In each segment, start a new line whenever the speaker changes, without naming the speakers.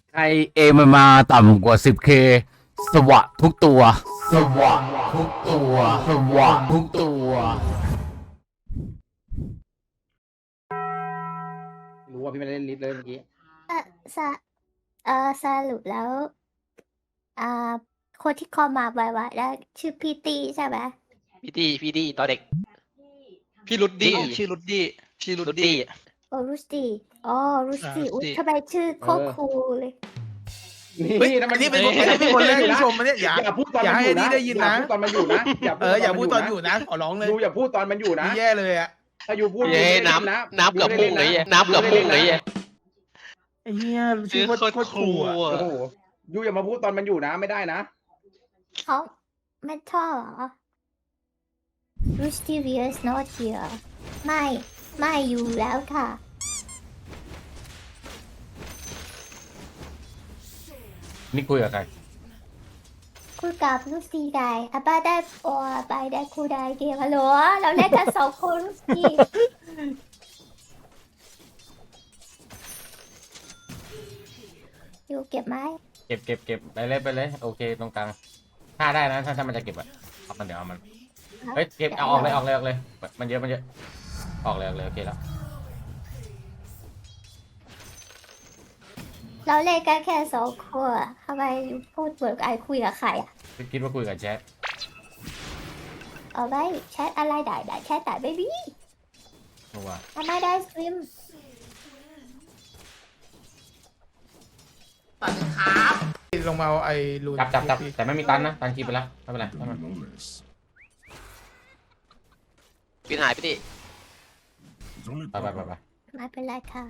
ใครเอมันมาต่ำกว่า 10K สวะทุกตัว สวะทุกตัว สวะทุกตัว
รู้ว่าพี่ไม่ได้เล่นลิสต์เลยเมื่อกี้
เออสะสรุปแล้วอ่าคนที่คอมมาไวๆแล้วชื่อพี่ตีใช่ไหม
พี่ดีตอนเด็ก
พี่รุดดี้
พี่
ชื่อรุดดี้ชื่อรุด
รุด
ดี้
ดี้
โอ้รุสตีอ๋อรุสตี
รุสตี้
อุ๊ยทำไมชื่อโคตรคูลเลย
เฮ้ย
นั่น
อันนี้เป็นคนแรกที่ชมมันเนี่ยอย่า
อย่าพูดตอน
อย่า
มัน
ให้
อยู่
อันนี้
นะ
ได้ยินนะ
อย่าพูดตอนมันอยู่นะ
อย่าพูดตอนอยู่นะขอร้องเลย
ดูอย่าพูดตอนมันอยู่นะ
นี่แย่เลยอ่ะ
ถ้าอยู่พูด
เย้
ดูไม่ได้
น้
เล่ะ
ำน้ำเกือบพุ่งเลยน้ำเกือบพุ่งเลย
ไอ้เหี้ยชื่อโคตรครูอ่ะ
โอ้โหยูอย่ามาพูดตอนมันอยู่นะไม่ได้นะ
เขาไม่ชอบเหรอ Rusty Weir is not here ไม่อยู่แล้วค่ะ
นี่คุยกับใคร
คุยกับลูซี่ไดอาบ้าได้โอ้ไปได้คูได้เกมฮัลโหลเราเล่นกันสองคนลูซี่อยู่เก็บไหม
เก็บไปเลย โอเคตรงกลางถ้าได้นะถ้ามันจะเก็บอะเอามันเดี๋ยวเอามัน เฮ้ยเก็บเอาออกเลย มันเยอะ ออกเลยโอเคแล้ว
เราเล่นกันแค่สองคนอะทำไมพูดเหมือนไอคุยกับใครอ่ะ
คิดว่าคุยกับแชท
เอาไว้แชทอะไรได้แชทได้ไม่มี
เพราะว่า
ทำไมได้สตรีม
ลงมาเอาไอ้ลูน
จับแต่ไม่มีตันนะตันคีไปแล้วไม่เป็นไร
พี่หายพี่ดิ
ไป
ไม่เป็นไรค่ะ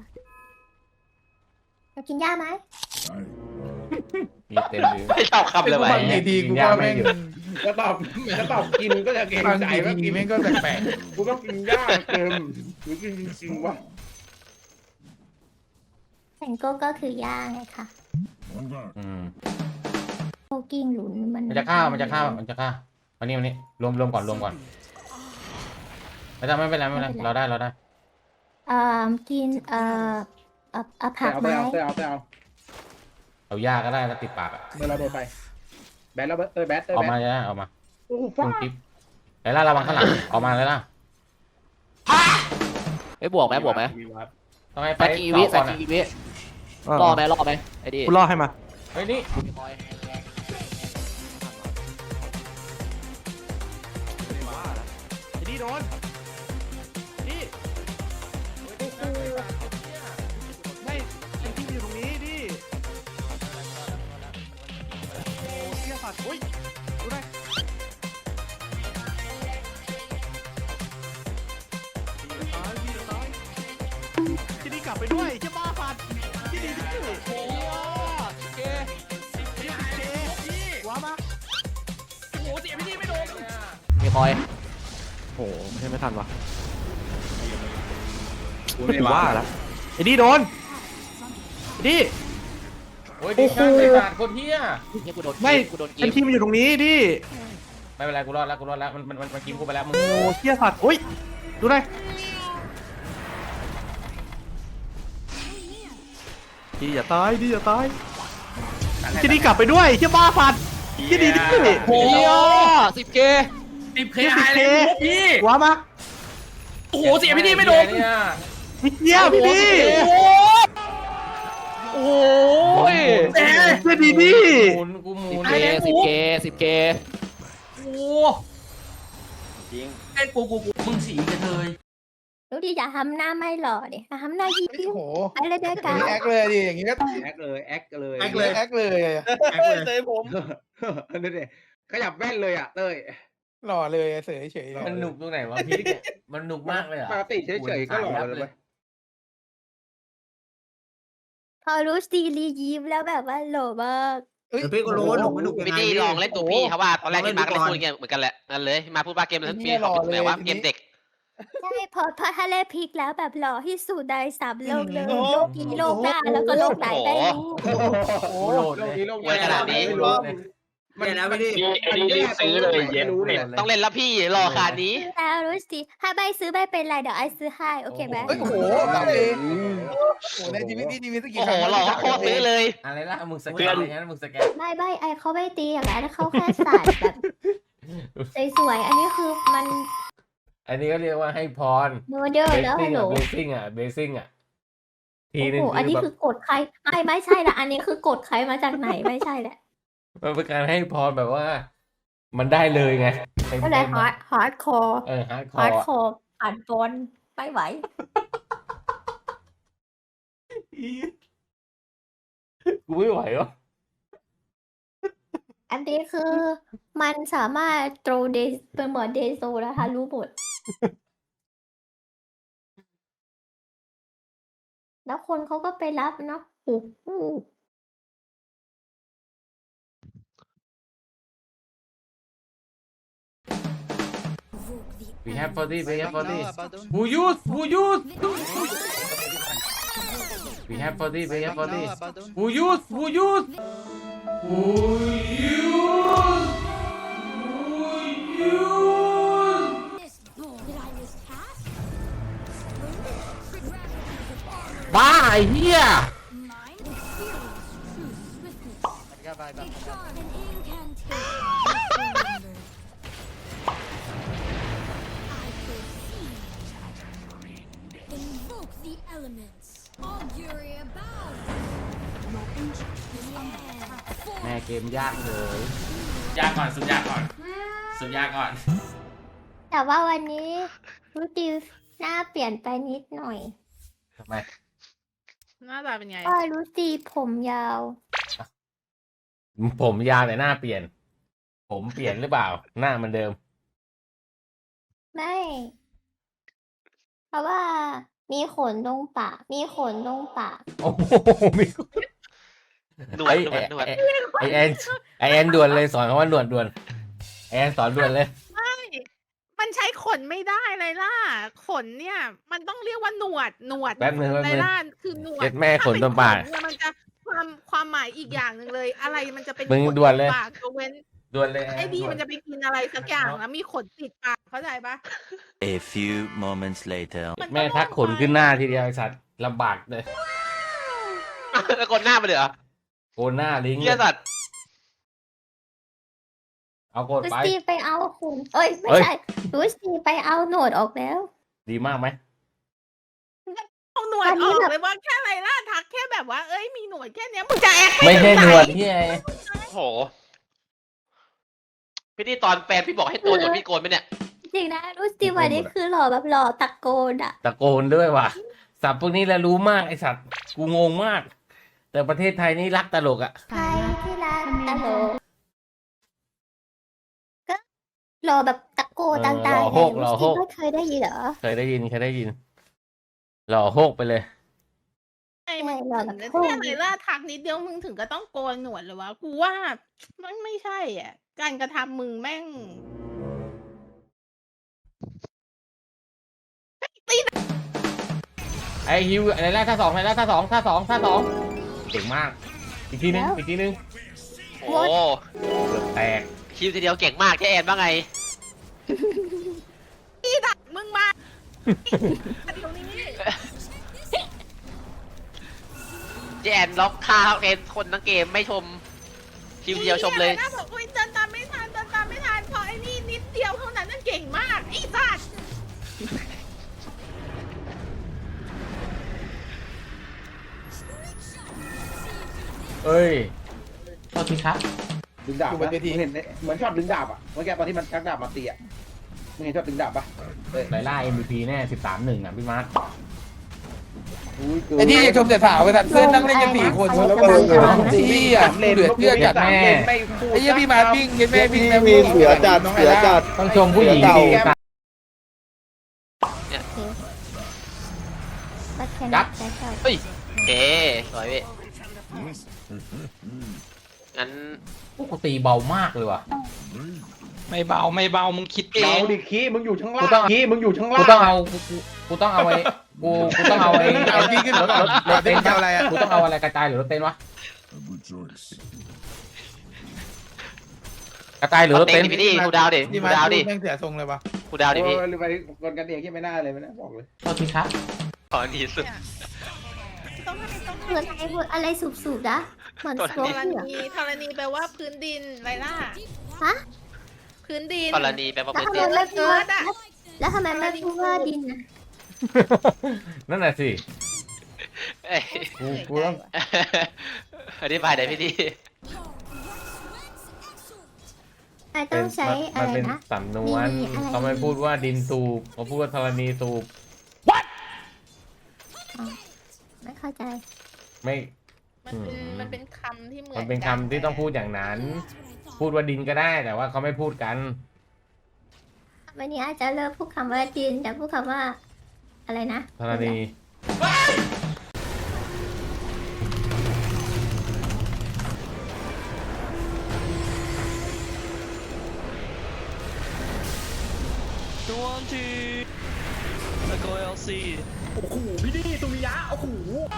เรากินหญ้าไหม
มีเต็มเลย
ไม่ชอบคำเลยไป
บางทีกูก็แม่ง
จะตอบกินก็จะเกรง
บาง
ใจว่า
ที
กิน
แม่งก็แปลก
กูต้องกินยากเต็มหรือกินจริงๆวะ
แตงโก้ก็คือหญ้าไงค่ะ
อืม
โคกิ้งหลุนมัน
มันจะฆ่าวันนี้รวมก่อนไม่เป็นไรเราได้
กินผักไหม
เอายาก็ได้แล้วติดปากอะ
เมื่อเราโดนไปแบทแล้วแบท
ออกมาเลยนะออกมา
โอ้โห
คุ
ฟ้า
ณกิ๊บไอ้ล่าระวังข้างหลังออกมาเลยล่ะ
ไม่บวกไหมต้องให้ไป
แฟนกีวิ
ก่อน
รอไหมไอ้ดิ
กูรอให้มา
เฮ้ยนี่
ไอ้นี่โดนนี่ไม่ไอ้ที่อยู่ตรงนี้ดิโอ้เสียสัตว์โอ้ยดูได้ดีตายที่นี่กลับไปด้วยเจ้าบ้าสัตว์ที่นี่ดิโอ้เกว้ามาโอ้โหเสียพี่นี่ไม่โดน
มีคอย
โอ้โหไม่ทันวะกูว่าละไอ้นี่โดนไอ้นี่
โอ้ยดิช่างเลยบาดคนเฮีย
เนี่ยกูโดน
ไม่
กูโดน
ไอ้ที่มันอยู่ตรงนี้ดิ
ไม่เป็นไรกูรอดแล้วมันกินกูไปแล้วมึง
โอ้เชี่ยสัตว์โอ้ยดูได้ดีอย่าตายที่นี่กลับไปด้วยเชี่ยบ้าสัตว์ที่นี่ดิ
โอ้ย10K
10K ว้ามา
โอ้โหเสียพี่นี่ไม่โดนเนี่ย
พี่เชี่ยพี่นี่
โอ้ย
เชี่ยดีดิ
หมุน
10K
ดูดิอย่าทำหน้าไม่หล่อดิทำหน้ายิ้ม
โอ้โห
ไปเลยด้วย
อ
กั
ย่าง
น
นี้แอคเลยดิอย่างนี้ก็
แอคเลยแอคเลย
แอคเลยแอคเลยเตยผม
นั่นเองขยับแว่นเลยอ่ะเต้ย
หล่อเลยเสยเฉย
มันหนุกตรงไหนวะพี่เนี่ยมันหนุกมากเลยอ่ะ
ปกติเฉยๆก็หล่อเลย
พอรู้ซีรียิ้มแล้วแบบว่าหล่อมาก
พี่ก็รู้ว่าหนุกไม่หนุกยัง
พี่
ไง
ดิ
พี่
ลองเล่นตัวพี่เพราะว่าตอนแรกที่มาก็
ลองเล่นดูก่อน
พูดอย่างเงี้ยเหมือนกันแหละนั่นเลยมาพูดว่าเกมนั้นพี่เขาเป็นแบบว่าเกมเด็ก
ใช่พอถ้าเล่นพลิกแล้วแบบหล่อที่สุดในสามโลกเลยโลกนี้โลกหน้าแล้วก็โลกไหนไม่รู้
โอ้โหโหลดเลย
ไว้ขนาดนี้
โหลดเลย
เนี่ยนะไม่ได้
อันนี้รีบซื้อเลยเย็น
รู้เลย
ต้องเล่นแล้วพี่รอขนาดนี้
แล้วรู้สิถ้าใบซื้อใบเป็นไรเดี๋ยวไอซื้อให้โอเคไหม
เฮ้ยโอ้โหสามเอโอ้โหในชีวิตนี่มีสักกี่
โอ้
ค
โห
รั้ง
หลอกโคตรซื้อเลย
อะไรล่ะมึงสแกนอย่างนั้นมึงสแกน
ไม่ใบไอเขาไม่ตีอย่างนั้นเขาแค่สาดแบบสวยๆอันนี้คือมัน
อันนี้ก็เรียกว่าให้พร
โมเดล
เบ
แล้ว
สซิ่
ฮั
ง
ลโหล
อ่ะเบสซิ่งอ่ะเบสซิ่งอ่ะทีนึง
โอ้โหอันนี้
คือ
คื
แบบ
อกดใครไม่ใช่ละอันนี้คือกดใครมาจากไหนไม่ใช่แหละ
มันเป็นการให้พรแบบว่า มันได้เลยไง
ก็เลยฮาร์ดคอร์
ฮาร์ดคอ
ฮาร์ด
ร์
คอร์ผ่านบอลไม่ไหว
กูไม่ไหววะ
อันนี้คือมันสามารถโตรเดสเป็นเหมือนเดโซนะคะรู้หมด แล้วคนเขาก็ไปรับเนาะโอ้โห
we have 40 we have 40 who use we have 40 we have 40 who use who use
บ้าไอ้เหี้ย
Invoke the elements. Augury about.
แม่เกมยากเลย
ยากก่อนสุดยากก่อนสุดยากก่อน
แต่ว่าวันนี้รู้ดิวหน้าเปลี่ยนไปนิดหน่อย
ทำไม
หน้าตาเป็นไง
ก็รู้สิผมยาว
ผมยาวแต่หน้าเปลี่ยน ผมเปลี่ยนหรือเปล่า หน้าเหมันเดิม
ไม่ เพราะว่ามีขนตรงปาก มีขนตรงปาก
โอ้โหมี
หนวดหนวด
ไอแอนด่วนเลยสอนเขาว่าหนวดด่วนไอแอนสอนด่วนเลย
มันใช้ขนไม่ได้เลยล่ะ ขนเนี่ย มันต้องเรียกว่าหนวด
แป๊บนึง
ไรล่ะคือหนวด
เจ็ดแม่ขนตรงปาก
ถ้เป็นขนเนี่ยมันจะความหมายอีกอย่างหนึ่งเลย อะไรมันจะเป็น
มึง
ขน
ด่วนเลย
ปากยกเว้น
ด่วนเลย
ไอ้ดีมันจะไปกินอะไรสักอย่างแล้วมีขนติดปากเข้าใจปะ
A few moments later.
แม่ทักขนขึ้นหน้าทีเดียวไอสัตว์ลำบากเลย
แล้วกดหน้ามาเลยเหรอ
โกนหน้าลิง
เหี้ยสัตว์
เอาโกน
รู้
ไป
สิไปเอาขนเอ้ย ไม่ใช่ รู้สิไปเอาโหนวดออกแล้ว
ดีมากไหม
เอาหนวด
อัน
อ
นี้
อก
แบบ
เลยว่าแค่ไรล่ะทักแค่แบบว่าเอ้ยมีหนวดแค่เนี้ยมึงจะแอค
ไม่ใช่
ถึง
หนวด
ไห
ที่ไอ
โอ้โหพี่นี่ตอนแฟนพี่บอกให้โกนหนวดพี่โกนไหมเนี่ย
จริงนะรู้สิวันนี้คือหล่อแบบหล่อตะโกนอ่ะ
ตะโกนด้วยว่ะสับพวกนี้แหละรู้มากไอสัตว์กูงงมาก แต่ประเทศไทยนี่รักตลกอ่ะ
ใครที่รักตลกก็หล่อแบบตะโกนต่างๆ
หล่อโฮกหล่อโฮก
ไม่เคยได้ยินเหรอ
เคยได้ยินหล่อโฮกไปเลย
ไอ้มึง
หล่อแบบ
ถึง
โค้ง
เนี่ยไรล่ะทักนิดเดียวมึงถึงก็ต้องโกนหนวดเลยวะกูว่ามันไม่ใช่อ่ะ การกระทำมึงแม่ง
ไอฮิวอะไรแรกท่าสองอะไรแรกท่าสองเก่งมาก อีกทีนึง
โอ้โห
เกือบแตก
คิวทีเดียวเก่งมากแค่แอนบ้างไง
มึงมาเดี๋ยวนี้
เจแอนล็อกค่าเอนคนทั้งเกมไม่ชม คิวเดียวชมเลย
นะบอกอุ้ยเดินตามไม่ทันพอไอ้นี่นิดเดียวเท่านั้นนั่นเก่งมากไอ้สัส
เอ้ยโทษทีครับ
ดึงดาบปะมึงเห็นเหมือนชอบดึงดาบอ่ะเมื่อกี้ตอนที่มันชักดาบมาตีอ่ะมึงเห็นชอบดึงดาบปะ
ไลล่า MVP แน่ 13-1อ่ะพี่มาร์ค
อุ้ยเกิน
ไอ้ที่อยากชมแต่สาวไปแต่เพื่อนนั่งเล่นกัน4 คน
แล้ว
พี่อ่ะเดือดเพื่อนจัด
แม่
ไอ้เหี้ยพี่มาวิ่งเย็นแม่วิ่งแล้ว
เสือจัด
ต้องชมผู้หญิงดี
ก็แค่
ครั
นั้
บ
นแค่เท่า
เฮ้ยเก๋สวยพี่งั้น
พวกกูตีเบามากเลยว่ะ
ไม่เบามึงคิดเอ
เบาง ดิคีมึงอยู่ข้างล่างคีมึงอยู่ข้างล่าง
กูต้องเอาไอ้กูต้องเอาไอ้
เอาพี่ขึ้นรถ
รถเต้น
เอาอะไรอ่ะ
กูต้องเอาอะไรกระจายหรือรถเต้นวะกระต่ายหรือรถเต็นท์
ดิพี่กูดาวดิ
นี่
กู
มา
ดาวดิ
แม่งเสียทรงเลยปะ
กูดาวดิพี่
โอ้ยหรือไปคนกันเองที่ไม่น่าเลยไม่น่าบอกเลย
โทษทีครับ
ขอหนีสุด
ต้องให้ต้อง
เหมือนอะไรสูบๆนะเหมือน
ตัว
โซ
ธร
เฟีย
ณีธรณีแปลว่าพื้นดินไรล่ะ
ฮะ
พื้นดิน
กรณีแปลว่า
แล้ว
พื้น
ทำ
ดิ
ไม
น
ไม่พูดว่าแล้วทำไมไม่พูดว่าดินนะ
นั่นแหละสิ
เอ้ย
กูต้อง
อธิบายได้พี่ดี
ไอต้องใช้อะ
มัน
ไร
เป็น
นะ
สำนวน
มีอะไร
เขาไม่พูดว่าดินสูบเขาพูดว่าธรณีสูบ
ไม่เข้าใจ
ไม่
มันเป็นคำที่เหมือน
มันเป็นคำที่ต้องพูดอย่างนั้น พูดว่าดินก็ได้แต่ว่าเขาไม่พูดกัน
วันนี้อาจจะเลิกพูดคำว่าดินแต่พูดคำว่า อะไรนะ
ธรณี
ตัวทีตะโกเอลซีโอ้โหพี่ดีตุมิยะโอ้โห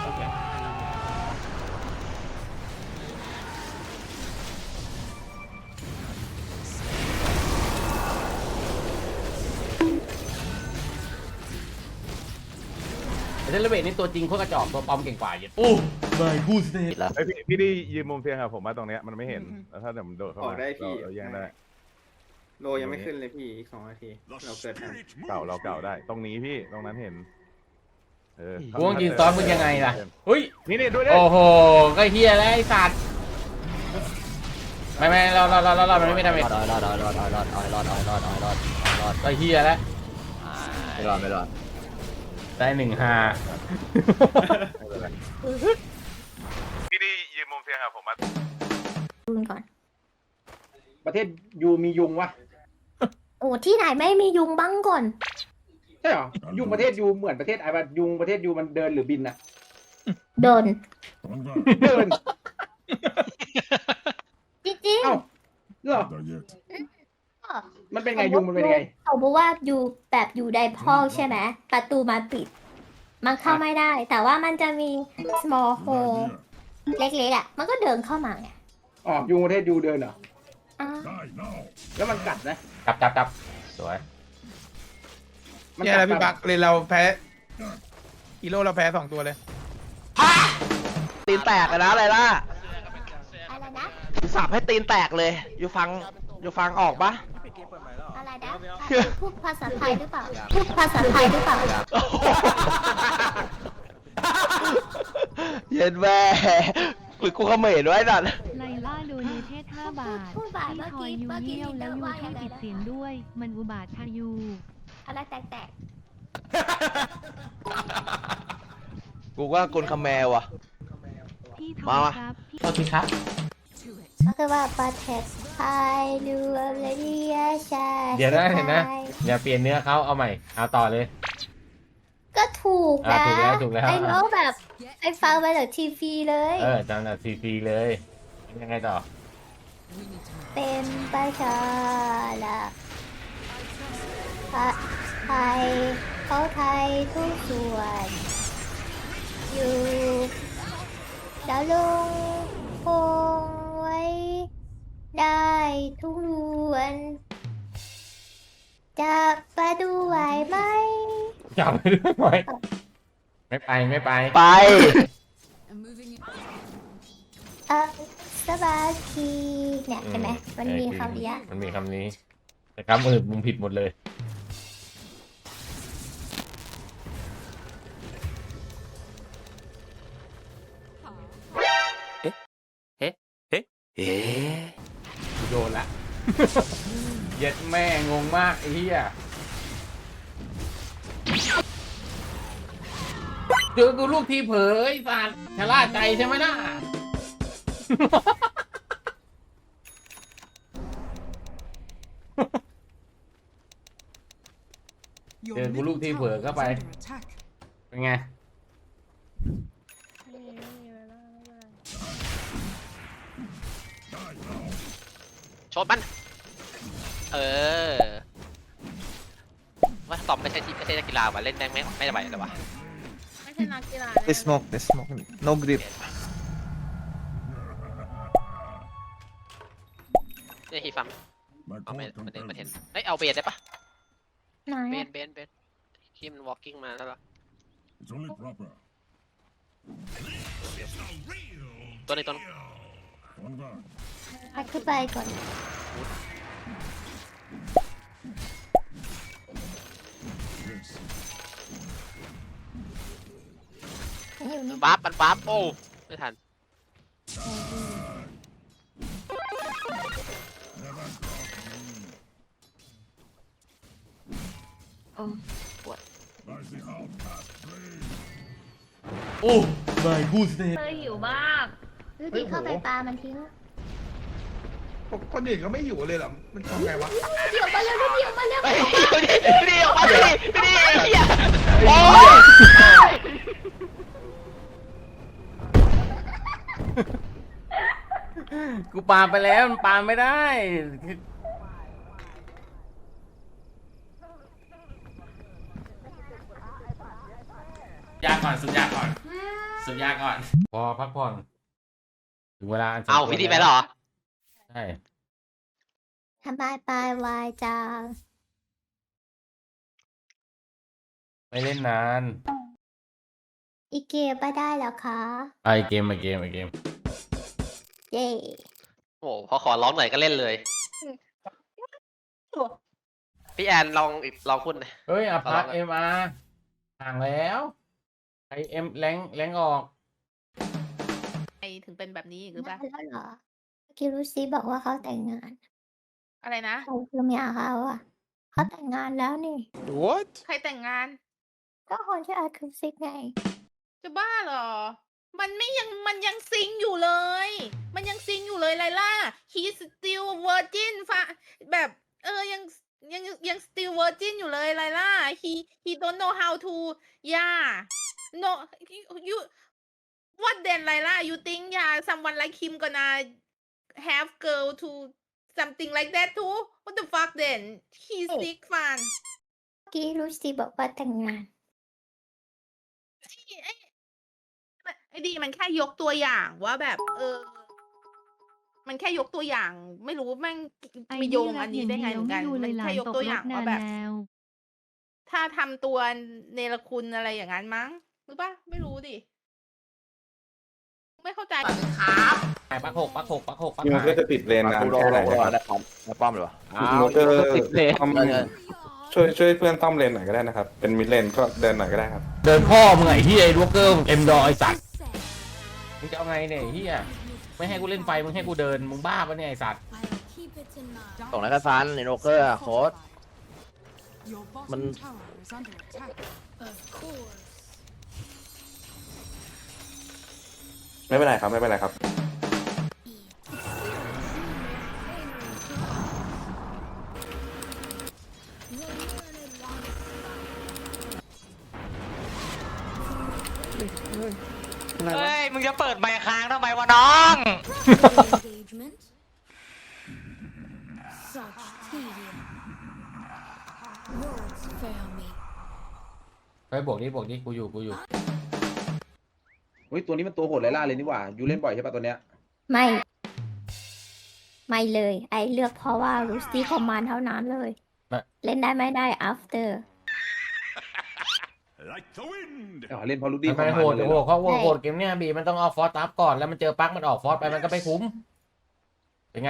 เซเลเบตนี่ตัวจริงโคตรกระจอกตัวปลอมเก่งกว่าเยอะโอ้ไม่กูสเตท
แล้ว
ไอยพี่ได้ยืนมุมเพียงครับผมว่าตรงเนี้ยมันไม่เห็นแล้วถ้าเดี๋ยวมันโดดเข้า
ออ
มาก
ได้พี่
เราแย่งได้
โลยังไม่ขึ้นเลยพี่อีก2 นาทีเราเกิดทัน
เราเก่าได้ ตรงนี้พี่ตรงนั้นเห็นเออ
กูต้องยิงซ้อนมึงยังไงล่ะเฮ้ย
นี่ด้วยดิ
โอ้โหก็เฮียแล้วไอ้สัตว์ไม่เรามันไม่ได้เมจก็เฮียแล้ว
ไม่รอด
ได้1-5
พี่ได้ยืนมุมเพียงครับผมว่า
ดูก่อน
ประเทศยูมียุงวะ
โอ้ที่ไหนไม่มียุงบ้างก่อน
ใช่เหรอยุงประเทศยูเหมือนประเทศไอ้บ้ายุงประเทศยูมันเดินหรือบินอะ
โดน
เดิน
จริง
เอ้าเหรอ
ๆ
มันเป็นไงยุงมันเป็นไง
เขาบอกว่าอยู่แบบอยู่ในห้องใช่ไหมประตูมันปิด มันเข้าไม่ได้ แต่ว่ามันจะมี small hole เล็กๆอ่ะ มันก็เดินเข้ามาไง
อ๋อยุงประเทศยูเดินเหรอ
อ้าว
แล้วมันกัดนะ
จับสวย
มัน
เนี่ย
กั
แห
ด
ละพี่บักเลยเราแพ้ฮีโร่เราแพ้2 ตัวเลย
ตีนแตกนะอะไรล่ะ
อะไรนะ
สับให้ตีนแตกเลยอยู่ฟังออกปะ
อะไรนะ พูดภาษาไทยหรือเปล่า พูดภาษาไทยหรือเปล่า
เย็นแม่หรือกูเขมรไว้สัตว์
ไลล่าโดเนเทศ5 บาท
พูดบาท
พี่
เมื่อ
ทอย
กี้
ยู
เมื่อกี้
เยี่ยวแล้วยู
ว่า
แค่
ยังไง
ปิด
นะ
เสียงด้วย มันอุบาททายู
อะไรแตก
กูว่าคนคาแมวอ่ะ
พี่ท
มา
อย
มา
ครับพี่
โทษทีครับ
ๆก็คือว่าประเทศไทยดูอะไรดีอะชา
เดี๋ยวนะเห็นนะ อย่าเปลี่ยนเนื้อเขาเอาใหม่เอาต่อเลย
ก็ถูกนะ
ถูกแล้ว
ไอ้น้องแบบไอ้ฟังมาจากทีวีเลย
จังหวัดซีพีเลยยังไงต่อ
เป็นประชาละไทยเขาไทยทุกส่วน อยู่ดาวลงคงไว้ได้ทุกวันจะไปดูไหวไหม
จับไปด้วยไหมไม่ไป
ไป
สบายทีเนี่ยเห็นไหมมันมีคำนี้
มันมีคำนี้ แต่คำอื่นมึงผิดหมดเลย กูโดนละ เย็ดแม่งงมากไอ้เหี้ยเจอกูลูกทีเผยไอ้สัตว์ชะล่าใจใช่ไหมล่ะ เจอกูลูกทีเผลอเข้าไป เป็นไง
ชดมัน ว่าตอมไม่ใช่นักกีฬามาเล่นแม่งไม่ไหวเลยวะ
ไม่ใช่นักกีฬา
They smoke no grip
นี่ฮีฟัมเอาไม่เห็นเอ้ยเอาเบนได้ปะ
ไหน
เบ
อะ
นที่มัน walking มาแล้วเหรอตัวนี้
พัดขึ้นไปก่อนอยู่นี่
บัฟมันบัฟโอ้ไม่ทัน
โอ้ไม่กูสเต
เธอหิวมากดูดิเข้าไปปลามันทิ้ง
คนอื่นก็ไม่อยู่เลยเหรอ มันทำไงวะ
เดี๋ยวมาเร็วเดี๋ยวมาเร็ว
เฮ้ยนี่ออกมาดินี่ไอ้เหี้ยโอ้ย
กูปาไปแล้วมันปาไม่ได้
ยากก่อนสุดยากก่อนสุดยากก่อน
พอพักผ่อนถึงเวลาอันสม
เอา
ควร
พี่ดีไปแล้วเหรอ
ใช่
ทำไมปลายวายจัง
ไม่เล่นนาน
อีเกมไม่ได้แล้วคะ
ไอเกม
เย้
โอ้พอขอร้องหน่อยก็เล่นเลย พี่แอนลองพูดหน่อย
เฮ้ยอพาร์ต
เอาละ
เอ็มอาร์ห่างแล้วไอเอ็มแรงออก
ไอถึงเป็นแบบนี้อีกหรือเปล่า
แล้วเหรอเมื่อกี้รู้ซีบอกว่าเขาแต่งงาน
อะไรนะ
ใครคือเมียเขาอ่ะเขาแต่งงานแล้วนี่
what
ใครแต่งงาน
ก็คนที่อาคือซิกไง
จะบ้าเหรอ มันยังซิงอยู่เลย มันยังซิงอยู่เลยไลล่า he still virgin ฟะแบบยัง still virgin อยู่เลยไลล่า he don't know how to yeah no you what then ไลล่า you think yeah someone like him gonna have girl to something like that too what the fuck then he's sick fan
เมื่อกี้รู้ซีบอกว่าแต่งงาน
ไอ้ดีมันแค่ยกตัวอย่างว่าแบบ มันแค่ยกตัวอย่าง ไม่รู้แม่ง
ไอ้
มีโยงอันนี้ได้ไง
เดี
เหมือนกัน
ดู
มั
เลย
น
หลา
แค่
น
ยก
ตก
ตัว
ร
อย่า
ถ
ง
นา
ว่าน แบบ
แล้ว
ถ้าทำตัวเนรคุณอะไรอย่างนั้นมั้งหรือปะไม่รู้ดิ ไม่เข้าใจครับ
ปักหก
มันก็จะติดเลนนาน
กูรอ
แค่ไหน
รอ
ครับ
ได้ป้อมได้ป้อมเลยวะ
มันก็
ติดเลย
ซ่อมช่วยเพื่อนซ่อมเลนหน่อยก็ได้นะครับ เป็นมิดเลนก็เดินหน่อยก็ได้ครับ
เดินพ่อมึงไอ้เฮียไอ้ดวกเกอร์เอ็มดอไอสัตว์มึงจะเอาไงเนี่ยไอ้เฮียไม่ให้กูเล่นไฟมึงให้กูเดินมึงบ้าปะเนี่ยไอสัตว์
ส่งนักซันในโนเกอร์โค้ดมัน
ไม่เป็นไรครับไม่เป็นไรครับ
เฮ้ยมึงจะเปิดไมค์ค้างทำไมวะน้อง
ไปบวกดิกูอยู่
เฮ้ยตัวนี้มันตัวโหดไลล่าเลยนี่หว่ายูเล่นบ่อยใช่ปะตัวเนี้ย
ไม่ ไม่เลย ไอเลือกเพราะว่ารู้ซีคอมมานด์เท่านั้นเลย เล่นได้ไม่ได้ after
เล่นพอลูดี้
มันไม่โหด
เลย
โหดเขาโหดเกมเนี้ยบีมันต้องเอาฟอสตับก่อนแล้วมันเจอปักมันออกฟอสไปมันก็ไม่คุ้มเป็นไง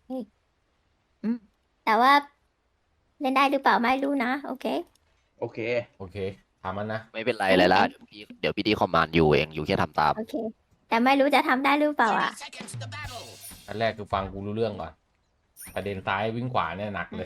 แต่ว่า เล่นได้หรือเปล่าไม่รู้นะ โอเค
โอเค
ถามมันนะ
ไม่เป็นไรเลยละเดี๋ยวพี่ดีคอมมานด์อยู่เองอยู่แค่ทำตาม
โอเค แต่ไม่รู้จะทำได้หรือเปล่าอ่ะ
อันแรกคือฟังกูรู้เรื่องก่อนประเด็นซ้ายวิ่งขวาเนี่ยหนักเลย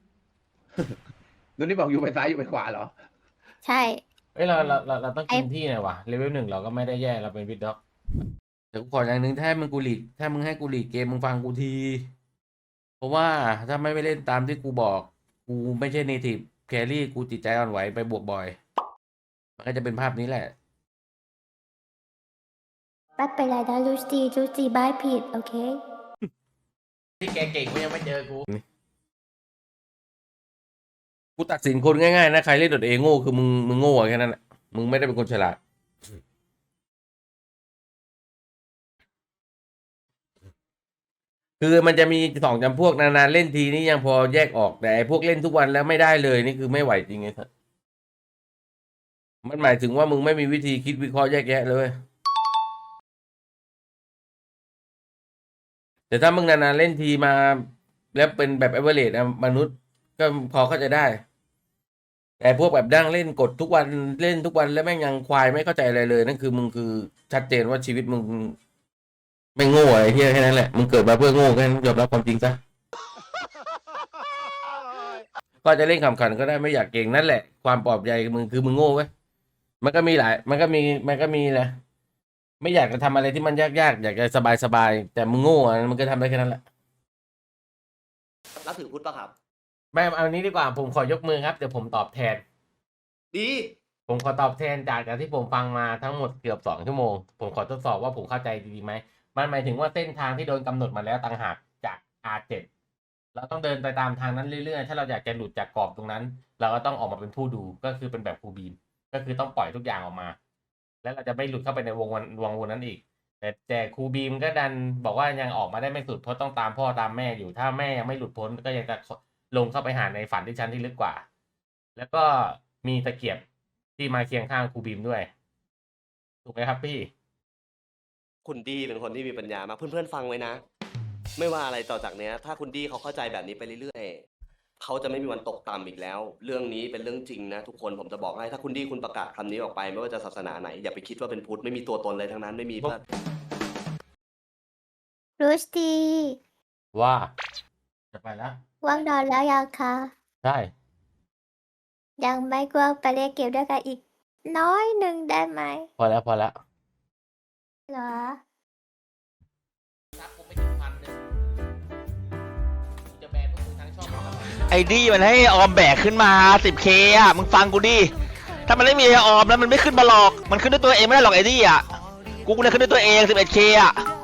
ตัวนี้บอกอยู่ไปซ้ายอยู่ไปขวาเหรอ
ใช่
เอ้ยเราต้องกินที่หน่อยวะเลเวล 1เราก็ไม่ได้แย่เราเป็นวิดด็อกแต่กูขออย่างหนึ่งถ้ามึงกูหลีกถ้ามึงให้กูหลีกเกมมึงฟังกูที เพราะว่าถ้าไม่ไปเล่นตามที่กูบอกกูไม่ใช่เนทีฟแครี่กูจิตใจอ่อนไหวไปบวกบ่อย มันก็จะเป็นภาพนี้แหละ
ไม่เป็นไรนะรู้ซีบายผิด โอเค
ที่แกเก่งกูยังไม่เจอกูตัดสินคนง่ายๆนะใครเล่นโดดเองโง่คือมึงโง่แค่นั้นแหละมึงไม่ได้เป็นคนฉลาดคือมันจะมีสองจำพวกนานๆเล่นทีนี่ยังพอแยกออกแต่ไอ้พวกเล่นทุกวันแล้วไม่ได้เลยนี่คือไม่ไหวจริงไงสัสมันหมายถึงว่ามึงไม่มีวิธีคิดวิเคราะห์แยกแยะเลย แต่ถ้ามึงนานๆเล่นทีมาแล้วเป็นแบบเอเวอเรสต์มนุษย์ก็พอเข้าใจได้ แต่พวกแบบดั้งเล่นกดทุกวันเล่นทุกวันแล้วแม่งยังควายไม่เข้าใจอะไรเลยนั่นคือมึงคือชัดเจนว่าชีวิตมึงไม่โง่อะไรเฮียแค่นั้นแหละมึงเกิดมาเพื่อโง่แค่นั้นยอมรับความจริงซะก็จะเล่นขำขันก็ได้ไม่อยากเก่งนั่นแหละความปลอบใจมึงคือมึงโง่เว้ยมันก็มีนะไม่อยากจะทำอะไรที่มันยากๆอยากจะสบายๆแต่มึงโง่อ่ะมันก็ทำได้แค่นั้นแหละ
รับถือพุทธป่ะครับ
ไม่เอานี้ดีกว่าผมขอยกมือครับเดี๋ยวผมตอบแทน
ดี
ผมขอตอบแทนจากที่ผมฟังมาทั้งหมดเกือบ2 ชั่วโมงผมขอทดสอบว่าผมเข้าใจดีไหมมันหมายถึงว่าเส้นทางที่โดนกำหนดมาแล้วต่างหากจาก R7 เราต้องเดินไปตามทางนั้นเรื่อยๆถ้าเราอยากจะหลุดจากกรอบตรงนั้น เราก็ต้องออกมาเป็นผู้ดูก็คือเป็นแบบครูบีมก็คือต้องปล่อยทุกอย่างออกมา แล้วเราจะไม่หลุดเข้าไปในวงนั้นอีกแต่ครูบีมก็ดันบอกว่ายังออกมาได้ไม่สุดเพราะต้องตามพ่อตามแม่อยู่ถ้าแม่ยังไม่หลุดพ้นก็ยังจะลงเข้าไปหาในฝันที่ชั้นที่ลึกกว่า แล้วก็มีตะเกียบที่มาเคียงข้างครูบีมด้วยถูกไหมครับพี่
คุณดีเป็นคนที่มีปัญญามากเพื่อนๆฟังไว้นะ ไม่ว่าอะไรต่อจากเนี้ย ถ้าคุณดีเขาเข้าใจแบบนี้ไปเรื่อยๆเขาจะไม่มีวันตกต่ำอีกแล้ว เรื่องนี้เป็นเรื่องจริงนะทุกคนผมจะบอกให้ถ้าคุณดีคุณประกาศคำนี้ออกไปไม่ว่าจะศาสนาไหนอย่าไปคิดว่าเป็นพุทธไม่มีตัวตนเลยทั้งนั้นไม่มีเพื่อน
รูสตี
ว่าจะไปแล้ว
ว่างนอนแล้วยังคะ
ใช่
ยังไม่กลัวไปเล่นเกมด้วยกันอีกน้อยหนึ่งได้ไหม
พอแล้ว
เหรอ
ไอ้ดี้มันให้ออมแบกขึ้นมา 10K อ่ะมึงฟังกูดิถ้ามันไม่มีออมแล้วมันไม่ขึ้นมาหรอกมันขึ้นด้วยตัวเองไม่ได้หรอกไอ้ดี้อ่ะกูเนี่ยขึ้นด้วยตัวเอง 11K อ่ะ